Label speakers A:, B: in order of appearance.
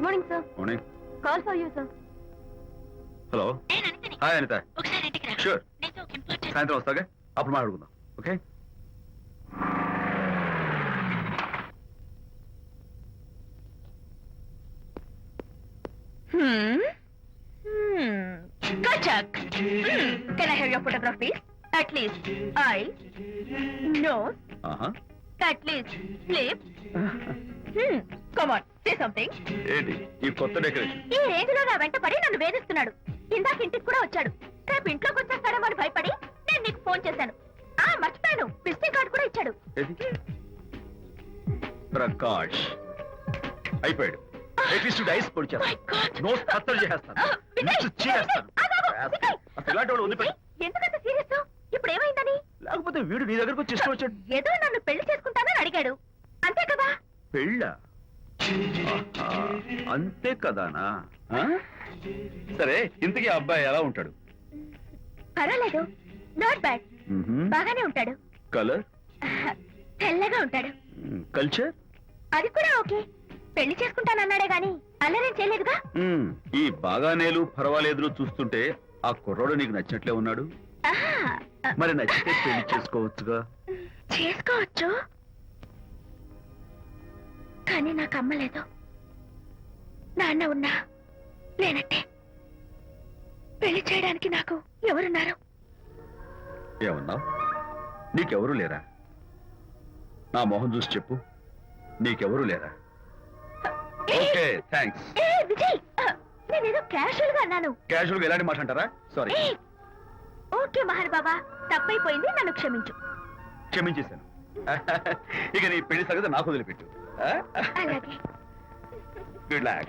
A: Good morning sir.
B: Morning.
A: Call for you sir.
B: Hello. Hi Anita. Sure. సాయంత్రం వస్తాగా, అప్పుడు మాట్లాడుకుందాం. Okay.
A: Kachak. Can I have your photograph, please? At least eyes, nose, at least lips. Come on, say something.
B: ఏంటి ఈ కొత్త decoration?
A: ఈ range లో నా వెంట పడి నన్ను వేధిస్తున్నాడు. ఇందాక ఇంటికి కూడా వచ్చాడు. రేపు ఇంట్లోకి వచ్చేస్తాడేమో అని భయపడి నేను నీకు ఫోన్ చేశాను. మర్చిపోయాను, విజిటింగ్ కార్డు కూడా ఇచ్చాడు.
B: ప్రకాష్ అయిపోయాడు. అట్లీస్ట్ డైస్ పొడి చేస్తాను, నోస్ కత్తలు చేస్తాను, ఇలాంటి వాడు ఉంది.
A: ఎందుకంత సీరియస్? ఇప్పుడు ఏమైందని?
B: లేకపోతే వీడు నీ దగ్గరకు వచ్చి ఇష్టం వచ్చాడు.
A: ఏదో నన్ను పెళ్లి చేసుకుంటానని అడిగాడు, అంతే కదా?
B: పెళ్ళ? అంతే కదానా? సరే, ఇంతకీ ఆ అబ్బాయి ఎలా ఉంటాడు?
A: పర్వాలేదు, నాట్ బ్యాడ్, బాగానే ఉంటాడు.
B: కలర్?
A: తెల్లగా ఉంటాడు.
B: కల్చర్?
A: అది కూడా ఓకే. పెళ్లి చేసుకుంటానన్నాడే గాని అల్లరేం చేయలేదుగా.
B: ఈ బాగానేలు పర్వాలేదు చూస్తుంటే ఆ కుర్రోడు నీకు నచ్చినట్లే ఉన్నాడు. మరి నచ్చితే పెళ్లి చేసుకోవచ్చుగా.
A: చేసుకోవచ్చు, కానీ నాకు అమ్మలేదు. నాన్న ఉన్నా లేనట్టే. పెళ్లి చేయడానికి నాకు ఎవరున్నారు?
B: ఏమన్నావు? నీకెవరు లేరా? నా మొహం చూసి చెప్పు, నీకెవరు లేరా? Okay, thanks.
A: విజయ్, నేనేదో క్యాషువల్ గా అన్నాను.
B: క్యాషువల్ గా ఎలాంటి మాట అంటారా? సారీ.
A: ఓకే మహర్ బాబా, తప్పైపోయింది, నన్ను క్షమించు.
B: క్షమించేశాను. ఇక నీ పెళ్లి సంగతి నాకు వదిలిపెట్టు.
A: అలాగే.
B: Good luck.